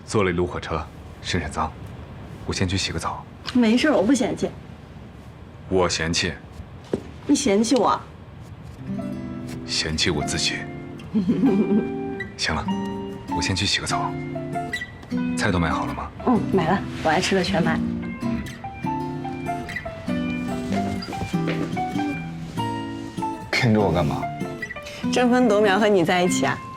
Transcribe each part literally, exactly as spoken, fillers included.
坐了一路火车，身上脏，我先去洗个澡。 没事，我不嫌弃。 我嫌弃。 你嫌弃我？ 嫌弃我自己。行了，我先去洗个澡。菜都买好了吗？ 嗯，买了，我爱吃的全买。 跟着我干嘛？ 争分夺秒和你在一起啊！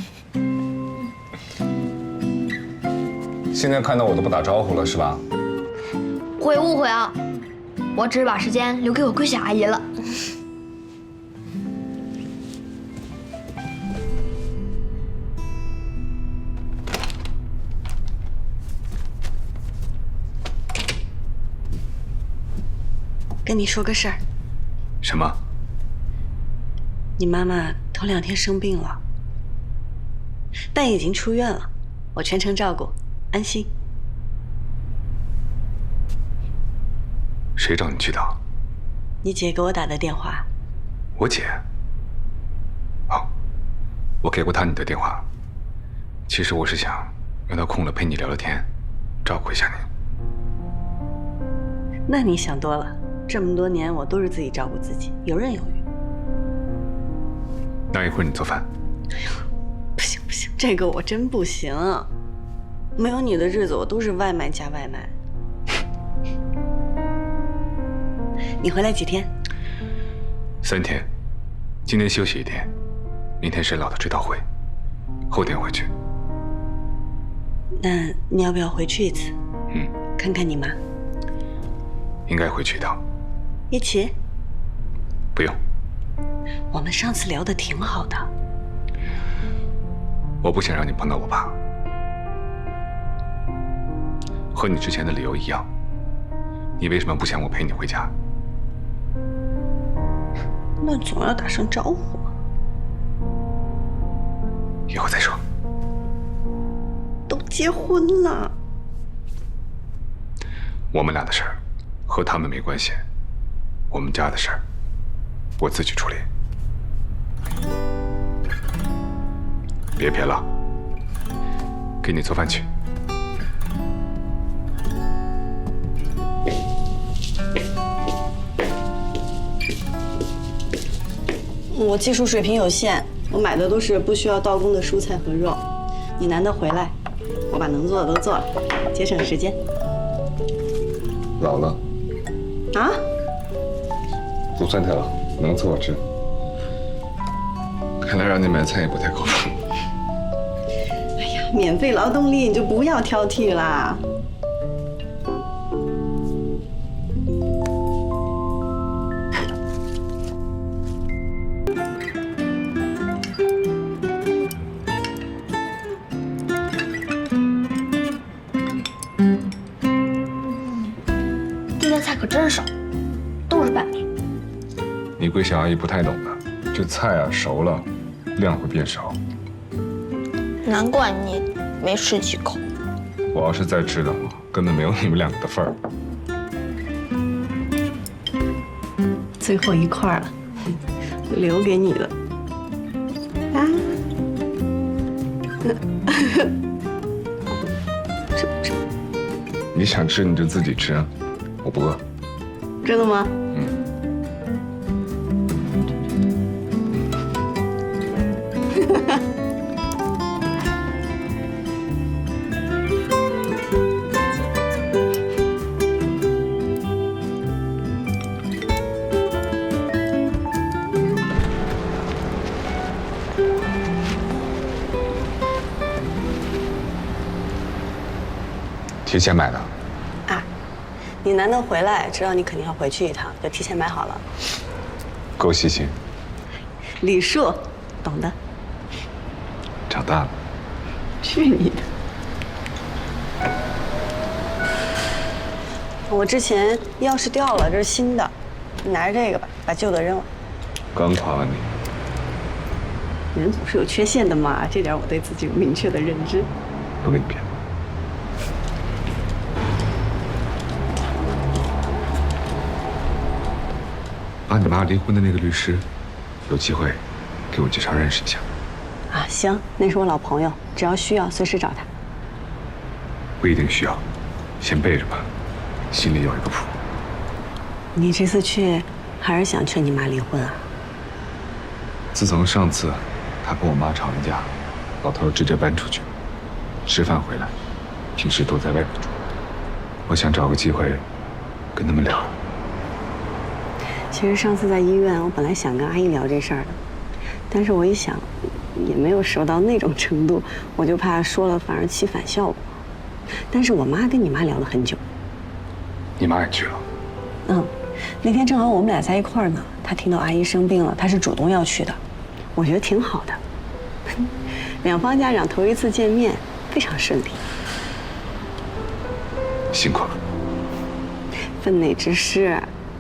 现在看到我都不打招呼了是吧？ 会误会啊，我只是把时间留给我桂小阿姨了。 跟你说个事儿。 什么？ 你妈妈头两天生病了，但已经出院了，我全程照顾，安心。 谁找你去的？ 你姐给我打的电话。 我姐？哦，我给过她你的电话。其实我是想让她空了陪你聊聊天，照顾一下你。 那你想多了，这么多年我都是自己照顾自己，游刃有余。 那一会儿你做饭。 哎呦，不行不行，这个我真不行。没有你的日子，我都是外卖加外卖。你回来几天？ 三天，今天休息一天，明天是老的追悼会，后天回去。 那你要不要回去一次？ 嗯， 看看你妈。 应该回去一趟。 一起？ 不用。 我们上次聊的挺好的。 我不想让你碰到我爸，和你之前的理由一样。你为什么不想我陪你回家？ 那总要打声招呼嘛。 以后再说。 都结婚了。 我们俩的事儿和他们没关系，我们家的事儿我自己处理。别别了，给你做饭去。 我技术水平有限，我买的都是不需要刀工的蔬菜和肉。你难得回来，我把能做的都做了，节省时间。 老了啊？ 不算太老，能伺候吃。看来让你买菜也不太靠谱。 哎呀，免费劳动力你就不要挑剔啦。 今天菜可真少，都是拌面。 你桂小阿姨不太懂的，这菜啊熟了，量会变少。 难怪你没吃几口。 我要是再吃的话，根本没有你们两个的份儿。 最后一块了，留给你的。啊！吃不吃？ 你想吃你就自己吃，我不饿。 真的吗？ 嗯。提前买的。 啊，你难得回来，知道你肯定要回去一趟，就提前买好了。 够细心。 礼数，懂的。 长大了。 去你的！我之前钥匙掉了，这是新的，你拿着这个吧，把旧的扔了。 刚夸完你。 人总是有缺陷的嘛，这点我对自己有明确的认知。 不跟你骗。把你妈离婚的那个律师，有机会给我介绍认识一下。 啊，行，那是我老朋友，只要需要随时找他。 不一定需要，先备着吧，心里有一个谱。 你这次去，还是想劝你妈离婚啊？ 自从上次他跟我妈吵完架，老头直接搬出去，吃饭回来，平时都在外面住。我想找个机会跟他们聊。 其实上次在医院，我本来想跟阿姨聊这事儿的，但是我一想，也没有熟到那种程度，我就怕说了反而起反效果。但是我妈跟你妈聊了很久。 你妈也去了？ 嗯，那天正好我们俩在一块儿呢，她听到阿姨生病了，她是主动要去的，我觉得挺好的。两方家长头一次见面，非常顺利。 辛苦了。 分内之事，